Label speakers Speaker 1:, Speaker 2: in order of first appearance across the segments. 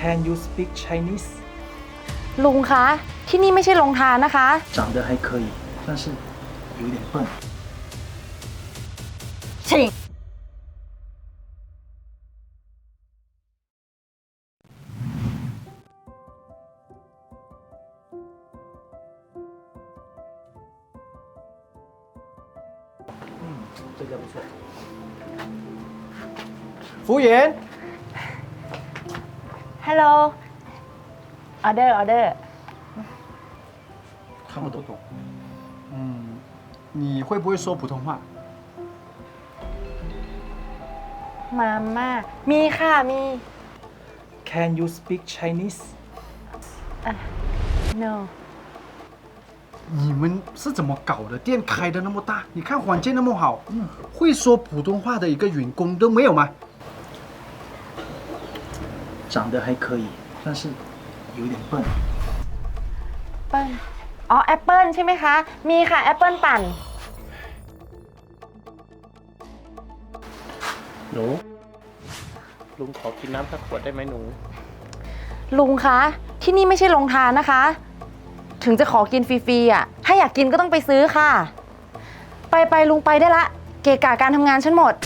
Speaker 1: Can you speak Chinese?
Speaker 2: ลุงคะที่นี่ไม่ใช่โรงทานนะคะ
Speaker 1: 长得还可以，但是有点笨。
Speaker 2: 请
Speaker 1: 这个不错。服务员，
Speaker 2: Hello ออเดอร์
Speaker 1: 看不懂。你会不会说普通话？
Speaker 2: มาม่ามีค่ะมี
Speaker 1: Can you speak Chinese?
Speaker 2: No
Speaker 3: 你们是怎么搞的？店开的那么大，你看环境那么好，会说普通话的一个员工都没有吗？
Speaker 1: 长得还可以，但是有点笨。
Speaker 2: เปิ้ลอ๋อแอปเปิ้ลใช่ไหมคะ มีค่ะแอปเปิ้ลปั่น
Speaker 4: หนูลุงขอกินน้ำสักขวดได้ไหมหนู
Speaker 2: ลุงคะที่นี่ไม่ใช่โรงทานนะคะ ถึงจะขอกินฟรีๆอ่ะถ้าอยากกินก็ต้องไปซื้อค่ะ ไปลุงไปได้ละเกะกะการทำงานฉันหมด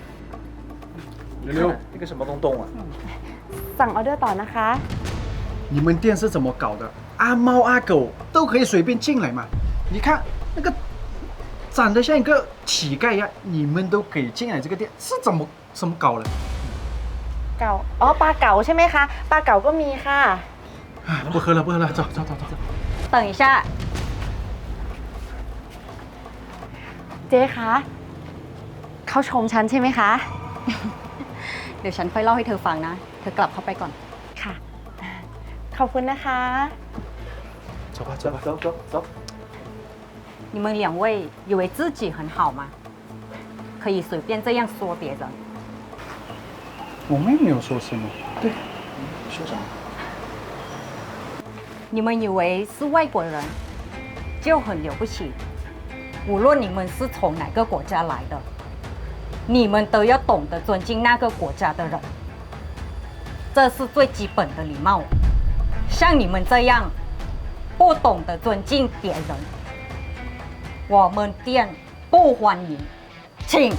Speaker 1: 溜溜，这个什么东东啊？
Speaker 2: สั่งออเดอร์ต่อนะคะ
Speaker 3: 你们店是怎么搞的？阿猫阿狗都可以随便进来嘛？你看那个长得像一个乞丐一样，你们都可以进来这个店，是怎么搞的？
Speaker 2: เก่าอ๋อปลาเก๋าใช่ไหมคะปลาเก๋าก็มีค่ะ
Speaker 3: 不喝了，不喝了，走。
Speaker 2: 等一下เจ๊คะเขาชมฉันใช่ไหมคะ
Speaker 5: เดี๋ยวฉันค่อยเล่าให้เธอฟังนะ เธอกลับเข้าไปก่อน
Speaker 2: ค่ะ ขอบคุณนะคะ
Speaker 1: 走吧，走吧，走。
Speaker 5: 你们两位以为自己很好吗？可以随便这样说别人。
Speaker 3: 我们也没有说什么。
Speaker 1: 对，说什么？
Speaker 5: 你们以为是外国人就很了不起？无论你们是从哪个国家来的，你们都要懂得尊敬那个国家的人，这是最基本的礼貌。像你们这样不懂得尊敬别人，我们店不欢迎，请。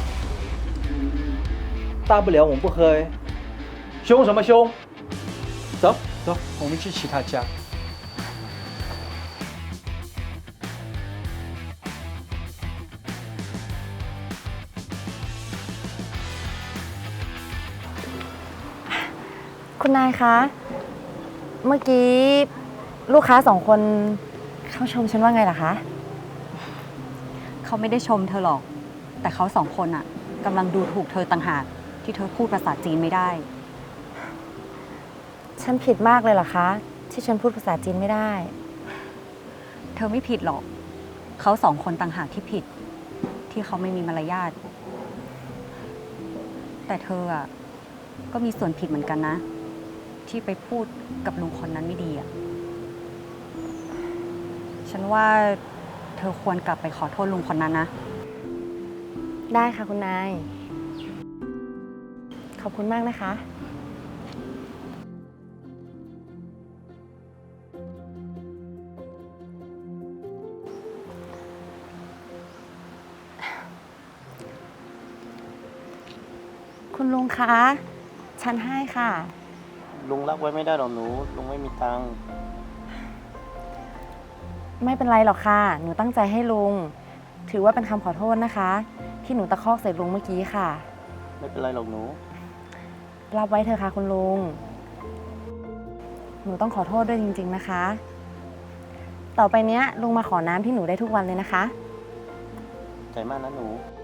Speaker 1: 大不了我们不喝哎。凶什么凶？走。
Speaker 3: 走，我们去其他家。
Speaker 2: คุณนายคะ เมื่อกี้ลูกค้า2 คนเขาชมฉันว่าไงล่ะคะ
Speaker 5: เขาไม่ได้ชมเธอหรอก แต่เขา2 คนอ่ะกำลังดูถูกเธอต่างหากที่เธอพูดภาษาจีนไม่ได้
Speaker 2: ฉันผิดมากเลยเหรอคะ ที่ฉันพูดภาษาจีนไม่ได้
Speaker 5: เธอไม่ผิดหรอก เขา2 คนต่างหากที่ผิด ที่เขาไม่มีมารยาท แต่เธออ่ะก็มีส่วนผิดเหมือนกันนะ ที่ไปพูดกับลุงคนนั้นไม่ดีอ่ะ ฉันว่าเธอควรกลับไปขอโทษลุงคนนั้นนะ
Speaker 2: ได้ค่ะคุณนาย ขอบคุณมากนะคะ คุณลุงคะ ฉันให้ค่ะ
Speaker 4: ลุงรับไว้ไม่ได้หรอกหนู ลุงไม่มีตังค์
Speaker 2: ไม่เป็นไรหรอกค่ะ หนูตั้งใจให้ลุง ถือว่าเป็นคำขอโทษนะคะ ที่หนูตะคอกใส่ลุงเมื่อกี้ค่ะ
Speaker 4: ไม่เป็นไรหรอกหนู
Speaker 2: รับไว้เถอะค่ะคุณลุง หนูต้องขอโทษด้วยจริงๆนะคะ ต่อไปเนี้ยลุงมาขอน้ำที่หนูได้ทุกวันเลยนะคะ
Speaker 4: ใจมากนะหนู